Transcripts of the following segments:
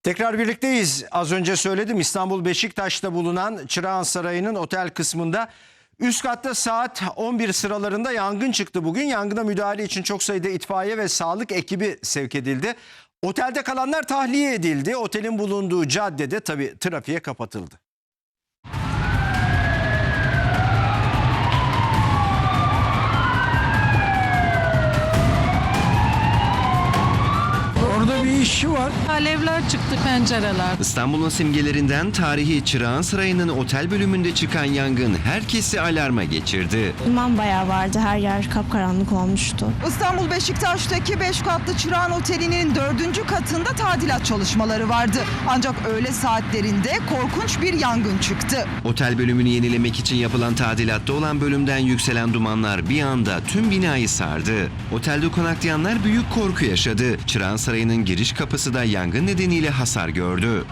Tekrar birlikteyiz. Az önce söyledim, İstanbul Beşiktaş'ta bulunan Çırağan Sarayı'nın otel kısmında üst katta saat 11 sıralarında yangın çıktı bugün. Yangına müdahale için çok sayıda itfaiye ve sağlık ekibi sevk edildi. Otelde kalanlar tahliye edildi. Otelin bulunduğu caddede tabii trafiğe kapatıldı. Orada bir işçi var. Alevler çıktı pencereler. İstanbul'un simgelerinden tarihi Çırağan Sarayı'nın otel bölümünde çıkan yangın herkesi alarma geçirdi. Duman bayağı vardı. Her yer kapkaranlık olmuştu. İstanbul Beşiktaş'taki 5 katlı Çırağan Oteli'nin 4. katında tadilat çalışmaları vardı. Ancak öğle saatlerinde korkunç bir yangın çıktı. Otel bölümünü yenilemek için yapılan tadilatta olan bölümden yükselen dumanlar bir anda tüm binayı sardı. Otelde konaklayanlar büyük korku yaşadı. Çırağan Sarayı'nın giriş kapısı da yangın nedeniyle hasar gördü.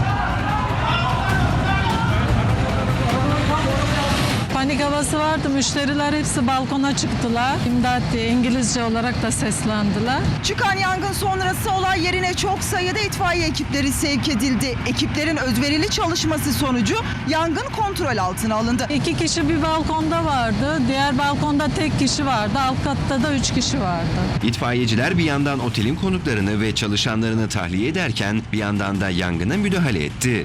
Panik havası vardı. Müşteriler hepsi balkona çıktılar. İmdat diye İngilizce olarak da seslendiler. Çıkan yangın sonrası olay yerine çok sayıda itfaiye ekipleri sevk edildi. Ekiplerin özverili çalışması sonucu yangın kontrol altına alındı. 2 kişi bir balkonda vardı. Diğer balkonda tek kişi vardı. Alt katta da 3 kişi vardı. İtfaiyeciler bir yandan otelin konuklarını ve çalışanlarını tahliye ederken bir yandan da yangına müdahale etti.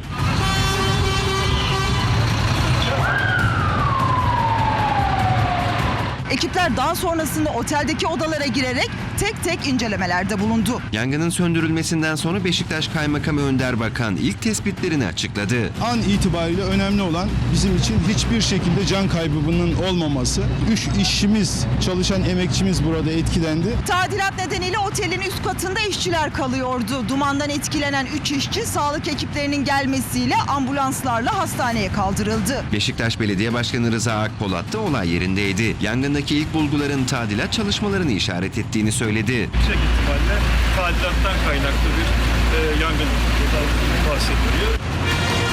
Ekipler daha sonrasında oteldeki odalara girerek tek tek incelemelerde bulundu. Yangının söndürülmesinden sonra Beşiktaş Kaymakamı Önder Bakan ilk tespitlerini açıkladı. An itibariyle önemli olan bizim için hiçbir şekilde can kaybının olmaması. 3 işçimiz, çalışan emekçimiz burada etkilendi. Tadilat nedeniyle otelin üst katında işçiler kalıyordu. Dumandan etkilenen 3 işçi sağlık ekiplerinin gelmesiyle ambulanslarla hastaneye kaldırıldı. Beşiktaş Belediye Başkanı Rıza Akpolat da olay yerindeydi. Yangındaki ilk bulguların tadilat çalışmalarını işaret ettiğini söyledi. Yüksek ihtimalle tadilattan kaynaklı bir yangın bahsediliyor.